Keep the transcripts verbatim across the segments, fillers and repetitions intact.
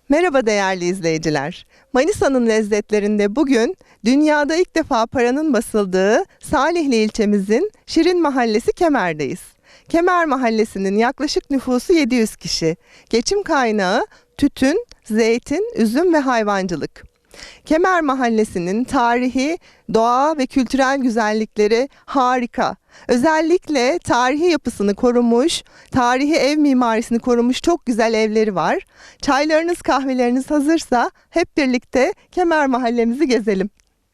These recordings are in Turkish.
Merhaba değerli izleyiciler. Manisa'nın lezzetlerinde bugün dünyada ilk defa paranın basıldığı Salihli ilçemizin Şirin Mahallesi Kemer'deyiz. Kemer Mahallesi'nin yaklaşık nüfusu yedi yüz kişi. Geçim kaynağı tütün, zeytin, üzüm ve hayvancılık. Kemer Mahallesi'nin tarihi, doğa ve kültürel güzellikleri harika. Özellikle tarihi yapısını korumuş, tarihi ev mimarisini korumuş çok güzel evleri var. Çaylarınız, kahveleriniz hazırsa hep birlikte Kemer Mahallemizi gezelim.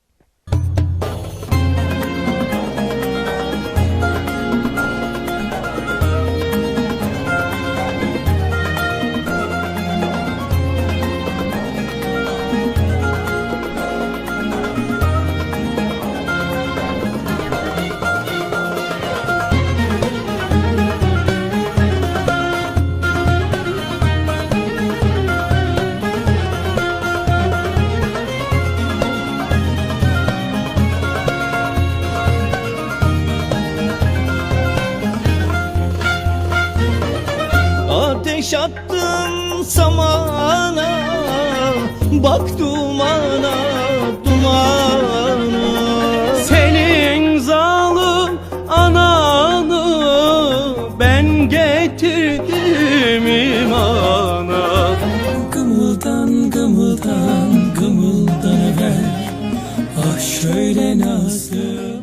Ateş attın samana, bak dumana, dumana. Senin zalim ananı ben getirdim imana. Gımıldan gımıldan gımıldanaver, ah şöyle nasıl.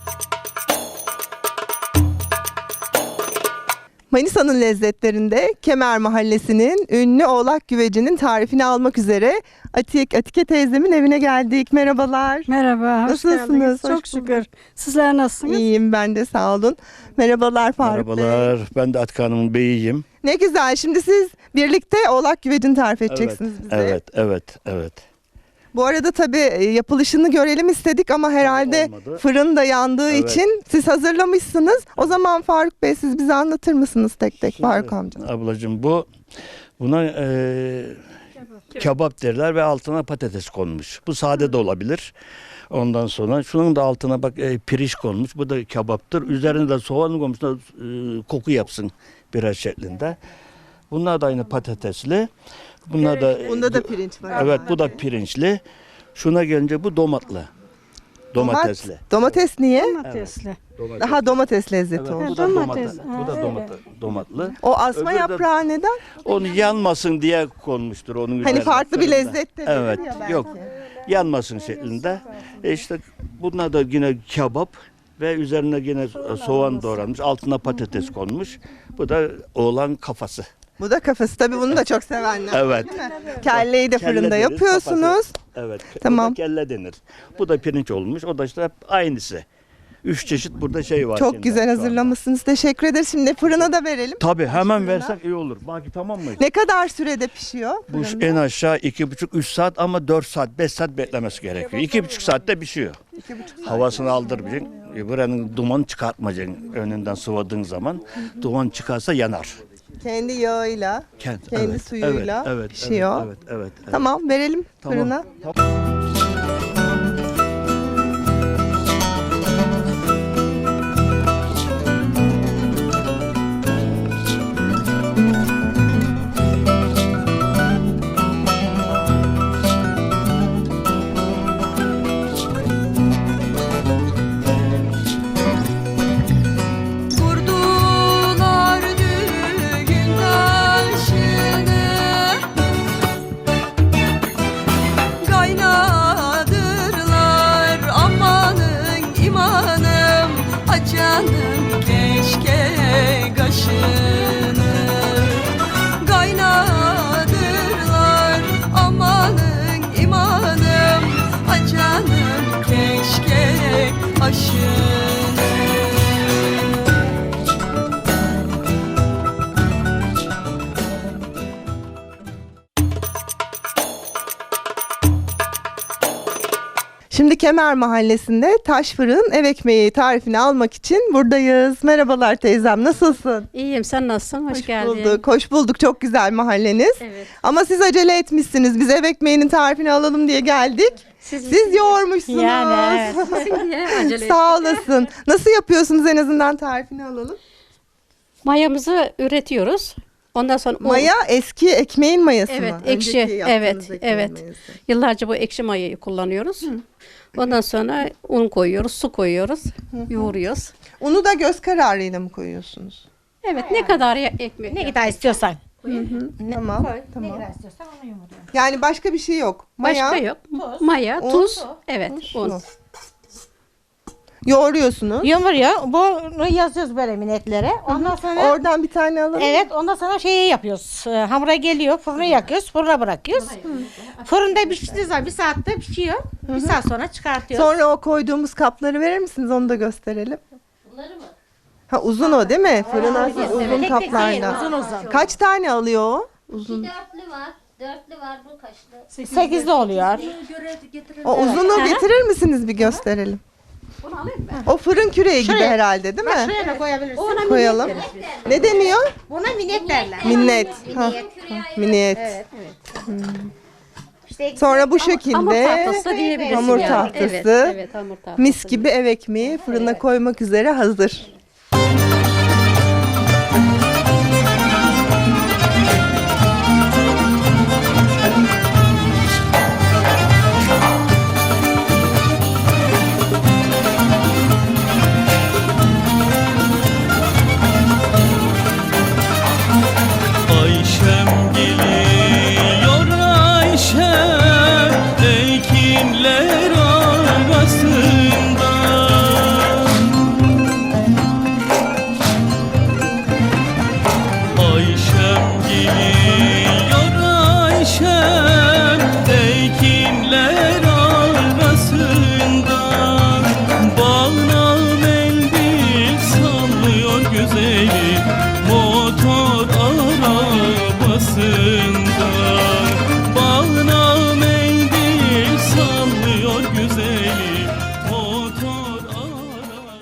Manisa'nın lezzetlerinde Kemer Mahallesi'nin ünlü oğlak güvecinin tarifini almak üzere Atik, Atike teyzemin evine geldik. Merhabalar. Merhaba, hoş Nasılsınız? geldiniz. Hoş Çok bulduk. şükür. Sizler nasılsınız? İyiyim ben de, sağ olun. Merhabalar Faruk Bey. Merhabalar, ben de Atik Hanım'ın beyiyim. Ne güzel. Şimdi siz birlikte oğlak güvecini tarif edeceksiniz bize. Evet, evet, evet. Bu arada tabii yapılışını görelim istedik ama herhalde olmadı. fırın da yandığı Evet. için siz hazırlamışsınız. O zaman Faruk Bey, siz bize anlatır mısınız tek tek? Şimdi, Faruk amca. Ablacığım, bu buna e, kebap derler ve altına patates konmuş. Bu sade de olabilir. Ondan sonra şunun da altına bak e, pirinç konmuş. Bu da kebaptır. Üzerine de soğan konmuş da e, koku yapsın biraz şeklinde. Bunlar da aynı patatesli. Bunlar da Bunda da pirinç var. evet, bu da pirinçli. Şuna gelince bu domatlı. Domatesli. Domat- domates niye? Domatesli. Domates. Daha domates lezzeti Evet, oldu. bu da Domates. domates. Ha, Bu da öyle. domatlı. domatlı. O asma Öbürü de- yaprağı neden? Onu yanmasın diye konmuştur onun üzerine. Hani farklı bir fırında. lezzet de Evet, verir ya belki. yok. Yanmasın şeklinde. E işte bunlar da yine kebap ve üzerine yine soğan doğranmış. Altına patates konmuş. Bu da oğlan kafası. Bu da kafası. Tabii bunu da çok sevenler. Evet. Kelleyi de Kelle fırında denir, yapıyorsunuz. kafası. Evet. Tamam. O da kelle denir. Bu da pirinç olmuş. O da işte hep aynısı. Üç çeşit burada şey var. Çok şimdi güzel şu anda. hazırlamışsınız. Teşekkür ederiz. Şimdi fırına da verelim. Tabii hemen Fırına. versek iyi olur. Baki tamam mı? Ne kadar sürede pişiyor? Bu fırında? en aşağı iki buçuk üç saat ama dört saat beş saat beklemesi gerekiyor. İki buçuk saatte pişiyor. İki buçuk saat. Havasını aldırmayacaksın. E, Buranın duman çıkartmayacaksın önünden sıvadığın zaman. Duman çıkarsa yanar. Kendi yağıyla, Kend- kendi evet, suyuyla evet, evet, pişiyor. Evet, evet, evet, evet. Tamam, verelim Tamam. fırına. Vurdular düğün taşını, kaynadırlar amanın imanım, açanım keşke kaşını. Kaynadırlar amanın imanım, açanım keşke aşını. Şimdi Kemer Mahallesi'nde taş fırın ev ekmeği tarifini almak için buradayız. Merhabalar teyzem, nasılsın? İyiyim, sen nasılsın? Hoş, geldin. bulduk. Hoş bulduk. Çok güzel mahalleniz. Evet. Ama siz acele etmişsiniz. Biz ev ekmeğinin tarifini alalım diye geldik. Siz, Siz yoğurmuşsunuz. Yani evet. Sizin diye acele Sağ ettik. olasın. Nasıl yapıyorsunuz, en azından tarifini alalım. Mayamızı üretiyoruz. Ondan sonra un. Maya eski ekmeğin mayası Evet, mı? ekşi. Önceki yaptığınız Evet, ekmeğin evet. mayası. Yıllarca bu ekşi mayayı kullanıyoruz. Ondan sonra un koyuyoruz, su koyuyoruz, yoğuruyoruz. Unu da göz kararıyla mı koyuyorsunuz? Evet, ne kadar ya- ekmek. Ne kadar istiyorsan. Tamam. Ne Tamam. kadar istiyorsan onu yumuruyorum. Yani başka bir şey yok. Maya, Başka yok. Maya, un, tuz, evet, su. un. Yoğuruyorsunuz. Yumuruyor. Bunu yazıyoruz böyle minetlere. Ondan sonra Oradan bir tane alalım. evet, ondan sonra şeyi yapıyoruz. Ee, Hamura geliyor, fırına yakıyoruz, fırına bırakıyoruz. Fırında piştiği zaman bir saatte pişiyor. Bir saat sonra çıkartıyoruz. Sonra o koyduğumuz kapları verir misiniz? Onu da gösterelim. Bunları mı? Ha uzun o değil mi? Fırına evet, uzun evet. Tek tek değil, kaplarla. uzun uzun. Kaç tane alıyor o? Uzun. Dörtlü var. Dörtlü var bu kaçlı? Sekizli oluyor. O uzunu getirir misiniz bir gösterelim? Bunu alayım mı? O fırın küreği gibi Şuraya- herhalde değil Bak mi? şuraya da koyabilirsin. Koyalım. Ne deniyor? Buna minet derler. Minnet. Ha, minnet. Evet. İşte Sonra bu Hamur şekilde tahtası diyebiliriz. hamur yani. tahtası, Evet, evet, hamur tahtası. mis gibi ev ekmeği fırına koymak üzere hazır. Ayşem geliyor Ayşem, ekinler arasında. Ayşem geliyor Ayşem, ekinler arasında. Bağına mendil sallıyor güzelim, motor arabasında. Bağına mendil sallıyor güzelim, motor arabasında.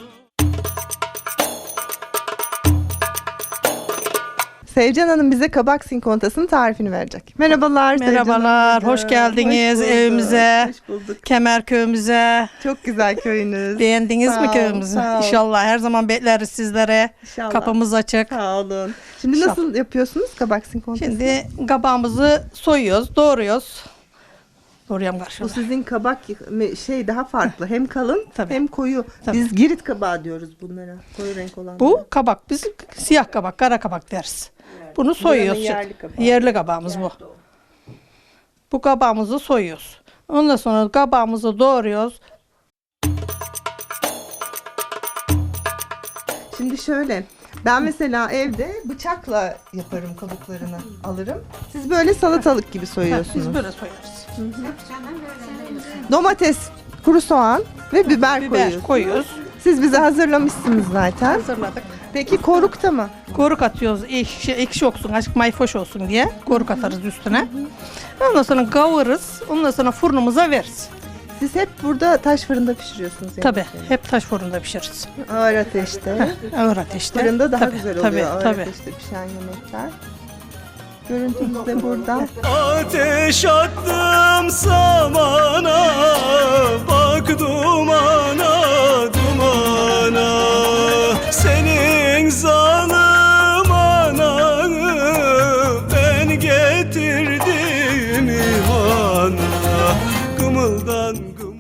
Sevcan Hanım bize kabak sinkontasının tarifini verecek. Merhabalar Sevcan Merhabalar, Hanımcığım. hoş geldiniz Hoş bulduk, evimize. Hoş bulduk. Kemer köyümüze. Çok güzel köyünüz. Beğendiniz Sağ mi ol, köyümüzü? sağ ol. İnşallah her zaman bekleriz sizlere. İnşallah. Kapımız açık. Sağ olun. Şimdi nasıl yapıyorsunuz kabak sinkontası? Şimdi kabağımızı soyuyoruz, doğruyoruz. Doğrayalım Bu karşıda. sizin kabak şey daha farklı. Hem kalın Tabii. hem koyu. Tabii. Biz girit kabağı diyoruz bunlara. Koyu renk olan. Bu kabak, biz siyah kabak, kara kabak deriz. Bunu soyuyoruz. Buranın yerli kabağı. Yerli kabağımız bu. Bu kabağımızı soyuyoruz. Ondan sonra kabağımızı doğruyoruz. Şimdi şöyle. Ben mesela evde bıçakla yaparım kabuklarını alırım. Siz böyle salatalık gibi soyuyorsunuz. Biz böyle soyuyoruz. Domates, kuru soğan ve biber, Biber koyuyorsunuz. koyuyoruz. Siz bize hazırlamışsınız zaten. Hazırladık. Peki korukta mı? Koruk atıyoruz, ekşi, ekşi olsun, azıcık mayfoş olsun diye koruk atarız üstüne. Ondan sonra kavururuz, ondan sonra fırınımıza veririz. Siz hep burada taş fırında pişiriyorsunuz. Tabii, yemekleri. hep taş fırında pişiririz. Ağır ateşte. Ağır ateşte. Fırında daha Tabii, güzel oluyor tabii, ağır tabii. ateşte pişen yemekler. Görüntümüz de burada. Ateş attım samana, bak dumana dumana. Senin zalim ananı ben getirdim imana. Gımıldan gımıldan.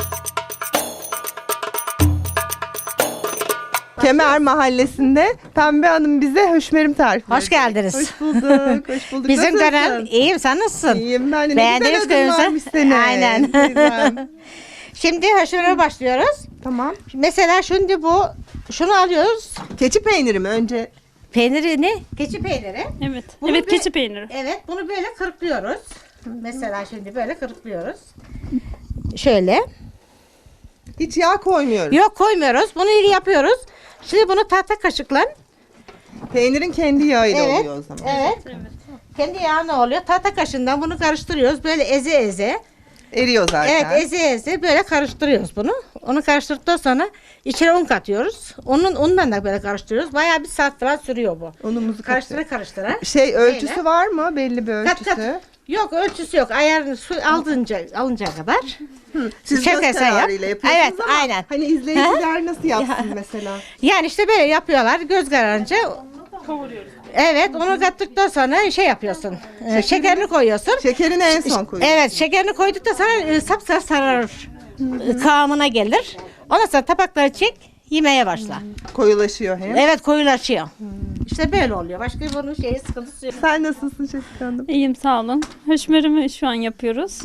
Kemer Mahallesi'nde Pembe Hanım bize höşmerim tarifi Hoş verecek. geldiniz. Hoş bulduk. Hoş bulduk. Bizim Nasılsın? dönem iyiyim, sen nasılsın? İyiyim ben de. Ne Beğendiniz güzel adın köyümüzü? varmış senin. Aynen. Teyzem. Şimdi haşırmaya başlıyoruz. Tamam. Mesela şimdi bu, şunu alıyoruz. Keçi peyniri mi önce? Peyniri ne? Keçi peyniri. Evet, Bunu evet bir- keçi peyniri. Evet, bunu böyle kırıklıyoruz. Mesela şimdi böyle kırıklıyoruz. Şöyle. Hiç yağ koymuyoruz. Yok koymuyoruz. Bunu iyi yapıyoruz. Şimdi bunu tahta kaşıkla. Peynirin kendi yağıyla Evet. oluyor o zaman. Evet. Kendi yağına oluyor. Tahta kaşığından bunu karıştırıyoruz. Böyle eze eze. Eriyor zaten. Evet, eze eze böyle karıştırıyoruz bunu. Onu karıştırdıktan sonra içine un katıyoruz. Onun undan da böyle karıştırıyoruz. Bayağı bir saat falan sürüyor bu. Unumuzu Karıştıra katıyor. karıştıra. Şey ölçüsü Böyle. var mı? Belli bir Kat ölçüsü. kat. Yok ölçüsü yok. Ayarını su alınca alınca kadar. Siz Çok göz eser yap. kararıyla yapıyorsunuz Evet, ama aynen. hani izleyiciler nasıl yapsın mesela? Yani işte böyle yapıyorlar. Göz kararınca kavuruyoruz. Evet, onu kattıktan sonra şey yapıyorsun. e, şekerini koyuyorsun. Şekerini en son koyuyorsun. Evet, şekerini koyduktan sonra e, sapsarı sararır. E, Kıvamına gelir. Ondan sonra tabakları çek, yemeye başla. Koyulaşıyor hem. Evet, koyulaşıyor. İşte böyle oluyor. Başka bunun şeyi sıkıntısı yok. Sen nasılsın Şefika Hanım? İyiyim sağ olun. Höşmerimi şu an yapıyoruz.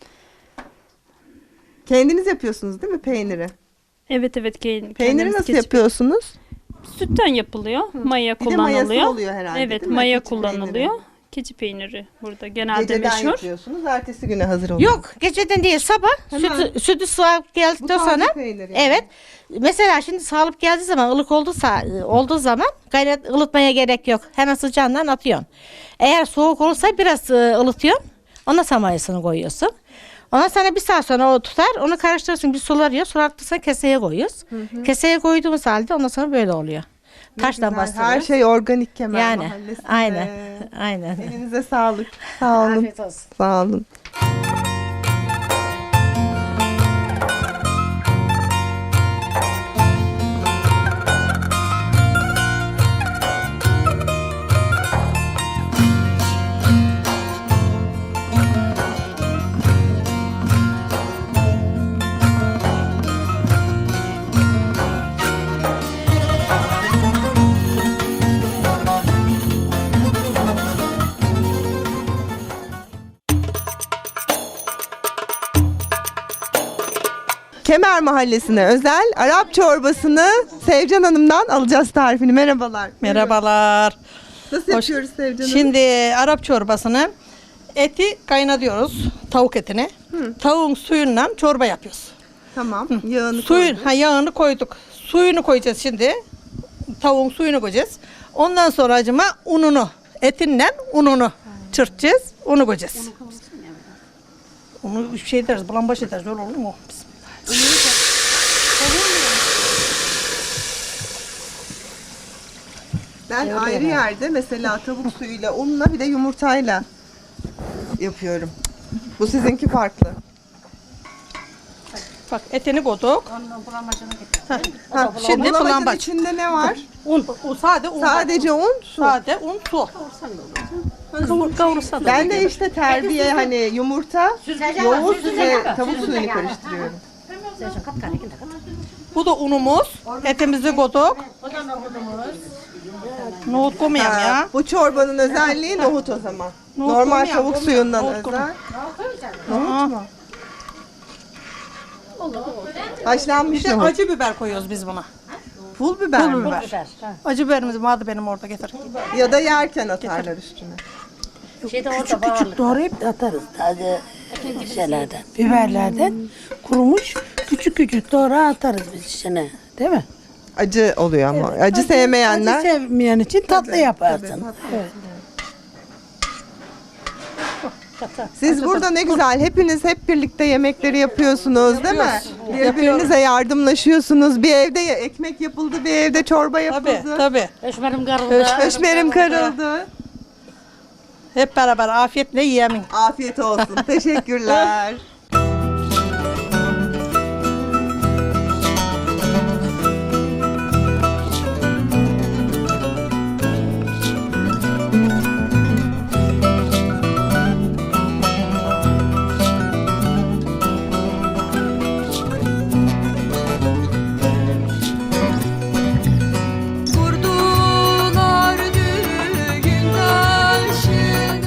Kendiniz yapıyorsunuz değil mi peyniri? Evet evet. ke- Peyniri kendimiz nasıl kesip- yapıyorsunuz? Sütten yapılıyor. Maya Bir de mayası kullanılıyor. oluyor herhalde, Evet değil mi? maya Keçi kullanılıyor. peyniri. Keçi peyniri burada genelde Geceden meşhur. yapıyorsunuz, ertesi güne hazır oluyor. Yok, geceden değil sabah Hemen. sütü, sütü sağıp geldikten Bu taze sonra peynir yani. evet. Mesela şimdi sağlıp geldiği zaman ılık olduysa olduğu zaman gayret ılıtmaya gerek yok. Hemen sıcağından atıyorsun. Eğer soğuk olursa biraz e, ılıtıyorsun. Ondan sonra mayasını koyuyorsun. Ondan sonra bir saat sonra o tutar. Onu karıştırırsın bir sularıyor. Sulartırsan keseye koyuyoruz. Keseye koyduğumuz halde ondan sonra böyle oluyor. Taştan Güzel. bastırıyoruz. Her şey organik Kemer yani Mahallesi'nde. aynen. Aynen. Elinize sağlık. Sağ olun. Afiyet olsun. Sağ olun. Kemer Mahallesi'ne özel Arap çorbasını Sevcan Hanım'dan alacağız tarifini. Merhabalar. Merhabalar. Nasıl Hoş- yapıyoruz Sevcan Hanım? Şimdi Arap çorbasını eti kaynatıyoruz. Tavuk etini. Tavuğun suyundan çorba yapıyoruz. Tamam. Yağını Suyun, koyduk. ha yağını koyduk. Suyunu koyacağız şimdi. Tavuğun suyunu koyacağız. Ondan sonra acıma ununu, etinden ununu çırpacağız. Unu koyacağız. Onu şey deriz, bulambaç ederiz. Öyle olur mu? Ben ayrı yerde mesela tavuk suyuyla, unla bir de yumurtayla yapıyorum. Bu sizinki farklı. Bak etini koyduk. Ha, Şimdi bulamacın bulambaç. içinde ne var? Un, o sade un. Sadece un, su. Sade un, su. Kavur, kavursa da. Ben de işte terbiye hani yumurta, yoğurt ve tavuk suyunu karıştırıyorum. Bu da unumuz. Etimizi koyduk. Nohut koymayalım Ha, ya. bu çorbanın özelliği nohut o zaman. Nohut Normal koymayalım, tavuk koymayalım. suyundan Nohut özel. koymayalım. Nohut mu? Haşlanmış Bir de nohut. acı biber koyuyoruz biz buna. Pul biber mi? Acı biberimiz vardı benim orada getir. Ya da yerken atarlar üstüne. Küçük küçük doğrayıp da atarız taze şeylerden, biberlerden kurumuş küçük küçük doğra atarız biz içine, değil mi? Acı oluyor ama. Acı sevmeyenler. Acı sevmeyen için tatlı yaparsın. Tabii, tatlı. Evet. Siz burada ne güzel hepiniz hep birlikte yemekleri yapıyorsunuz değil mi? Birbirinize yardımlaşıyorsunuz. Bir evde ya- ekmek yapıldı, bir evde çorba Tabii yapıldı. tabii. Höşmerim karıldı. Höşmerim karıldı. Hep beraber afiyetle yiyelim. Afiyet olsun. Teşekkürler. Kurdular düğün taşını.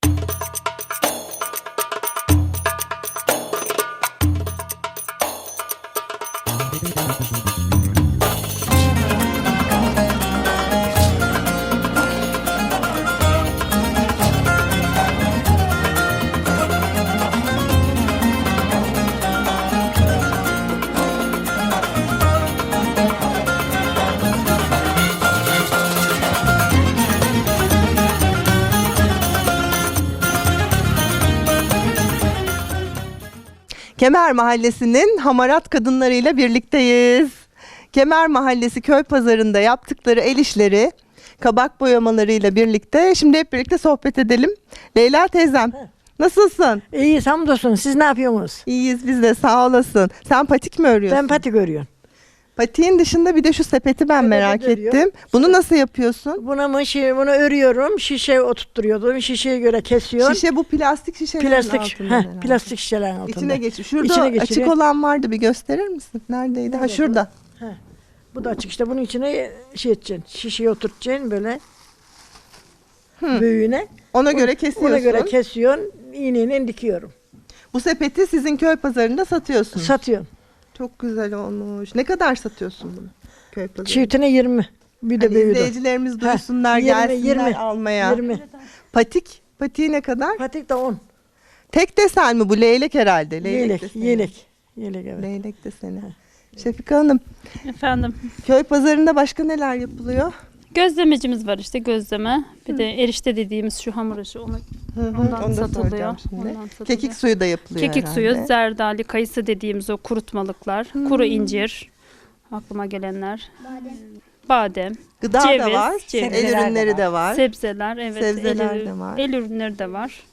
Kemer Mahallesi'nin hamarat kadınlarıyla birlikteyiz. Kemer Mahallesi köy pazarında yaptıkları el işleri, kabak boyamalarıyla birlikte şimdi hep birlikte sohbet edelim. Leyla teyzem, nasılsın? İyi hamdolsun. Siz ne yapıyorsunuz? İyiyiz biz de, sağ olasın. Sen patik mi örüyorsun? Ben patik örüyorum. Patiğin dışında bir de şu sepeti ben merak örüyor. ettim. Bunu nasıl yapıyorsun? Buna mı şey, bunu örüyorum, şişe oturtturuyordum. Şişeye göre kesiyorum. Şişe bu plastik şişelerin plastik, altında heh, herhalde. plastik şişelerin altında. İçine geçiyor. Şurada İçine açık geçiriyor. olan vardı, bir gösterir misin? Neredeydi? Ha şurada. Bu da açık işte, bunun içine şey edeceksin, şişeyi oturtacaksın böyle büyüğüne. Ona göre kesiyorsun. Ona göre kesiyorsun, iğneyle dikiyorum. Bu sepeti sizin köy pazarında satıyorsunuz. Satıyorum. Çok güzel olmuş. Ne kadar satıyorsun bunu köy pazarında? Çiftine yirmi. Bir de Hani büyüğü de. izleyicilerimiz duysunlar, yirmi, gelsinler yirmi, almaya. yirmi. Patik, patiği ne kadar? Patik de on. Tek desen mi bu? Leylek herhalde. Leylek Yelek, deseni. yelek. Yelek evet. Leylek deseni. Şefika Hanım, Efendim. köy pazarında başka neler yapılıyor? Gözlemecimiz var işte, gözleme. Bir de erişte dediğimiz şu hamur işi. Onu, ondan Onu da satılıyor. soracağım şimdi. Ondan satılıyor. Kekik suyu da yapılıyor Kekik herhalde. suyu, zerdali, kayısı dediğimiz o kurutmalıklar, kuru incir, aklıma gelenler, badem, Gıda ceviz, da var, ceviz. el ürünleri de var. sebzeler, evet, Sebzeler el, de var. el ürünleri de var.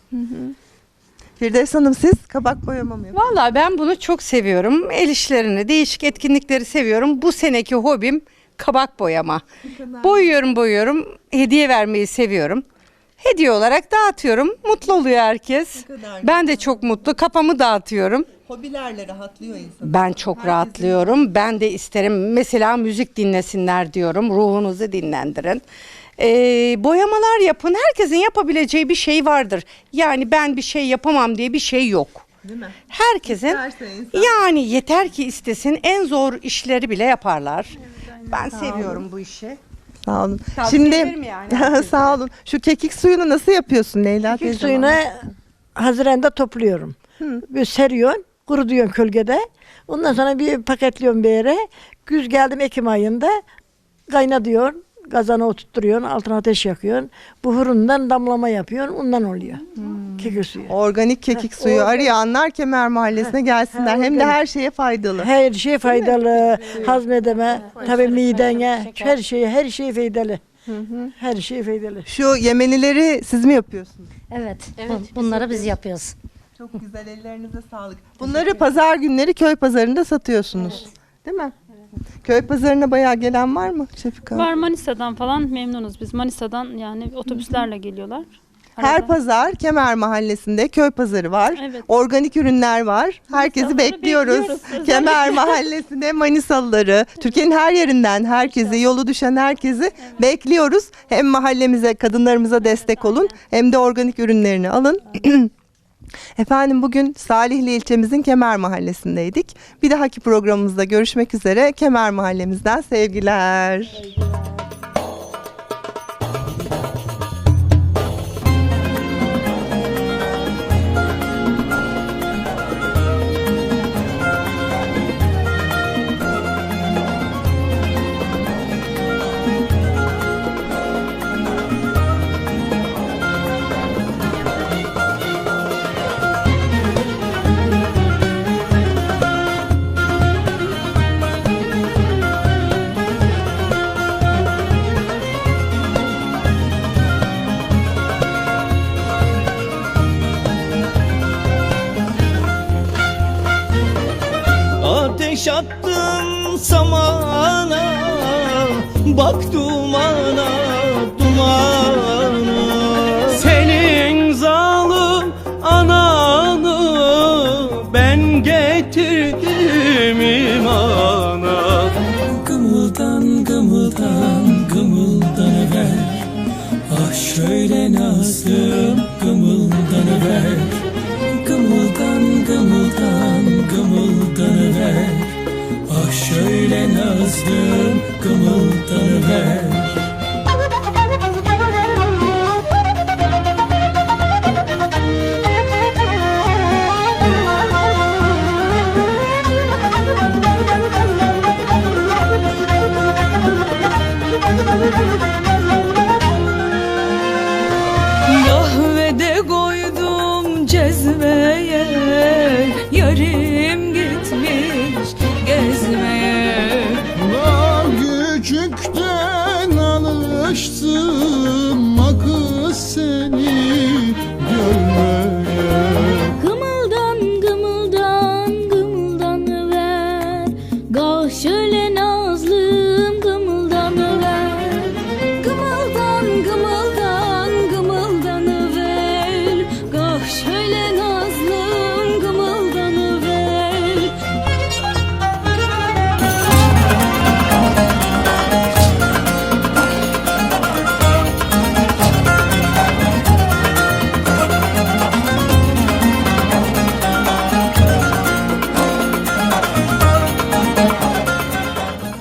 Firdevs Hanım, siz kabak boyama mı yapıyorsunuz? Vallahi ben bunu çok seviyorum. El işlerini, değişik etkinlikleri seviyorum. Bu seneki hobim kabak boyama. Boyuyorum boyuyorum. Hediye vermeyi seviyorum. Hediye olarak dağıtıyorum. Mutlu oluyor herkes. Ben de çok mutlu. Kafamı dağıtıyorum. Hobilerle rahatlıyor insan. Ben çok rahatlıyorum. Ben de isterim. Mesela müzik dinlesinler diyorum. Ruhunuzu dinlendirin. Ee, boyamalar yapın. Herkesin yapabileceği bir şey vardır. Yani ben bir şey yapamam diye bir şey yok. Değil mi? Herkesin İsterse insan. yani yeter ki istesin, en zor işleri bile yaparlar. Ben seviyorum bu işi. Sağ olun. Tavsiye Şimdi ederim yani herkese. sağ olun. Şu kekik suyunu nasıl yapıyorsun Leyla Kekik teyze? suyunu Haziran'da topluyorum. Böyle seriyorsun, kurutuyorsun kölgede. Ondan sonra bir paketliyorsun bir yere. Güz geldim Ekim ayında kaynatıyorsun. Gazana oturtturuyorsun, altına ateş yakıyorsun. Buhurundan damlama yapıyorsun, ondan oluyor. Kekik suyu. Organik kekik suyu organik. arayanlar Kemer Mahallesi'ne gelsinler. ha, Hem de organik. her şeye faydalı. Her şey faydalı, hazmedeme, tabii midene, her şeye, her şey faydalı. Her şey faydalı. Şu yemenileri siz mi yapıyorsunuz? Evet. Bunları biz yapıyoruz. Çok güzel, ellerinize sağlık. Bunları pazar günleri köy pazarında satıyorsunuz. Değil mi? Köy pazarına bayağı gelen var mı Şefika? Var, Manisa'dan falan memnunuz biz. Manisa'dan yani otobüslerle geliyorlar. Her Arada. pazar Kemer Mahallesi'nde köy pazarı var. Evet. Organik ürünler var. Herkesi Manisalıları bekliyoruz. bekliyoruz. Kemer Mahallesi'nde Manisalıları, Türkiye'nin her yerinden herkesi, yolu düşen herkesi bekliyoruz. Hem mahallemize, kadınlarımıza destek olun, hem de organik ürünlerini alın. Efendim, bugün Salihli ilçemizin Kemer Mahallesi'ndeydik. Bir dahaki programımızda görüşmek üzere. Kemer Mahallemizden sevgiler. Ateş attım samana, bak dumana, dumana. Senin zalim ananı ben getirdim imana. Gımıldan gımıldan gımıldanıver, ah şöyle nazlım gımıldanıver. Gımıldan gımıldan gımıldanıver, ah şöyle nazlım gımıldanıver. Kahvede koydum cezveye,